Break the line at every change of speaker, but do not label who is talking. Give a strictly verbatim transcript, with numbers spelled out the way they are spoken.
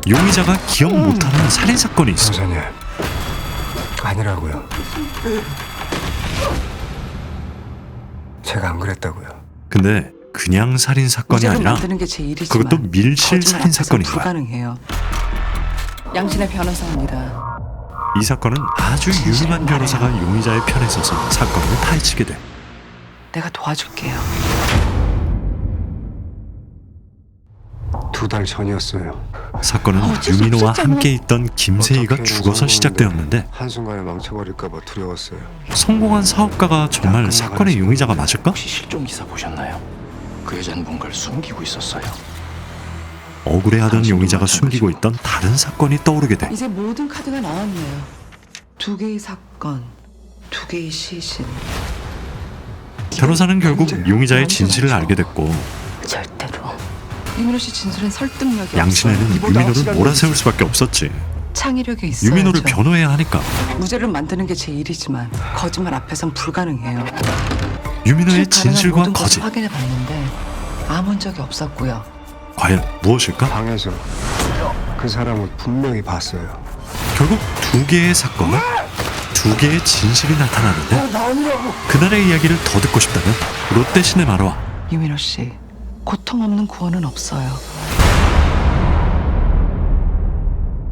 용의자가 기억 못하는 살인사건이 있어.
형사님, 아니라고요. 제가 안 그랬다고요.
근데 그냥 살인사건이
무죄로
아니라
만드는 게 제 일이지만
그것도 밀실
거짓말
살인사건인
앞에선
거야.
불가능해요. 양신의 변호사입니다.
이 사건은 아주 유능한 변호사가 용의자의 편에 서서 사건을 파헤치게 돼.
내가 도와줄게요.
두 달 전이었어요.
사건은
어쩔 수
유민호와
없었잖아.
함께 있던 김세희가
어떻게든
죽어서
성공했는데
시작되었는데
한순간에 망쳐버릴까봐 두려웠어요.
성공한 사업가가 정말 사건의 용의자가 맞을까?
혹시 실종 기사 보셨나요? 그 여자는 뭔가를 숨기고 있었어요.
억울해하던 용의자가 숨기고 있던 다른 사건이 떠오르게 돼.
이제 모든 카드가 나왔네요. 두 개의 사건, 두 개의 시신.
변호사는 결국 용의자의 진실을 알게 됐고
절대로. 유민호 씨 진술엔 설득력이
양신에는
없어요.
유민호를 몰아세울 수밖에 없었지.
창의력이 있어요.
유민호를 변호해야 하니까.
무죄를 만드는 게 제 일이지만 거짓말 앞에선 불가능해요.
유민호의
가능한
진실과
모든 것을
거짓,
확인해 봤는데 아무 적이 없었고요.
과연 무엇일까?
방에서 그 사람을 분명히 봤어요.
결국 두 개의 사건과 두 개의 진실이 나타나는데 그날의 이야기를 더 듣고 싶다면 롯데시네마로 와.
유민호 씨, 고통 없는 구원은 없어요.